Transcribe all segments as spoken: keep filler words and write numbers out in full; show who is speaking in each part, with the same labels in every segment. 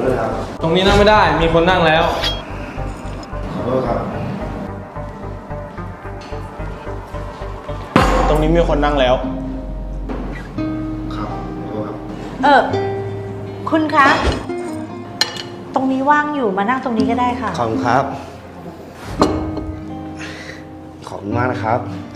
Speaker 1: ด้วยครับ
Speaker 2: ตรงนี้นั่งไม่ได้มีคนนั่งแล้ว
Speaker 1: ขอโทษครับ
Speaker 2: ตรงนี้มีคนนั่งแล้ว
Speaker 1: ครับขอโทษครับ
Speaker 3: เออคุณคะตรงนี้ว่างอยู่มานั่งตรงนี้ก็ได้ค่ะ
Speaker 1: ขอบคุณครับขอบคุณมากนะครับ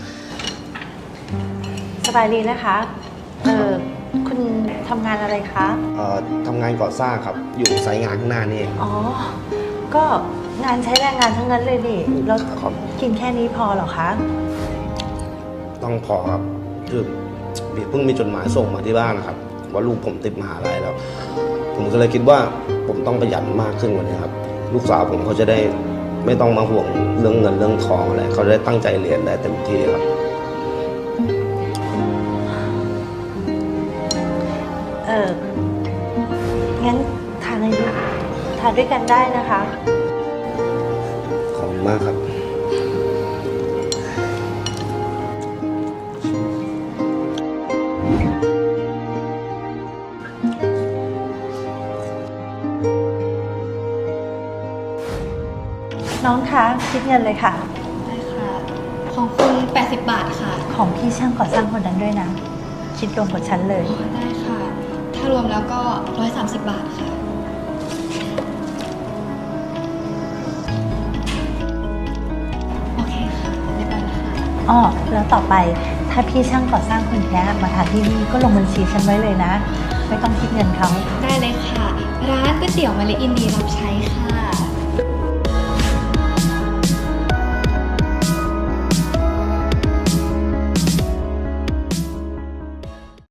Speaker 3: สบายดีนะคะเออคุณทำงานอะไรคะ
Speaker 1: เอ่อทำงานก่อสร้างครับอยู่ไซต์งานข้างหน้านี่เอง
Speaker 3: อ๋อก็งานใช้แรงงานทั้งนั้นเลยดิแล้ว
Speaker 1: ครับ
Speaker 3: กินแค่นี้พอเหรอคะ
Speaker 1: ต้องพอครับคือเพิ่งมีจดหมายส่งมาที่บ้านนะครับว่าลูกผมติดมหาลัยแล้วผมก็เลยคิดว่าผมต้องประหยัดมากขึ้นกว่านี้ครับลูกสาวผมเขาจะได้ไม่ต้องมาห่วงเรื่องเงินเรื่องทองอะไรเขาจะได้ตั้งใจเรียนได้เต็มที่ครับ
Speaker 3: เอองั้นทานอะไรทานด้วยกันได้นะคะ
Speaker 1: ขอบคุณมากครับ
Speaker 3: น้องคะคิดเงินเลยค่ะ
Speaker 4: ได้ค่ะของคุณแปดสิบบาทค่ะ
Speaker 3: ของพี่ช่างก่อสร้างคนนั้นด้วยนะคิดรวมกับฉันเลย
Speaker 4: ได้ค่ะถ้ารวมแล้วก็หนึ่งร้อยสามสิบบาทค่ะโอเคค่ะเรียบร้อยแล้วค่ะ
Speaker 3: อ้อแล้วต่อไปถ้าพี่ช่างก่อสร้างคนนี้มาทานที่นี่ก็ลงบัญชีฉันไว้เลยนะไม่ต้องคิดเงินเขา
Speaker 4: ได้เลยค่ะร้านก๋วยเตี๋ยวมะลิอินดีรับใช้ค่ะ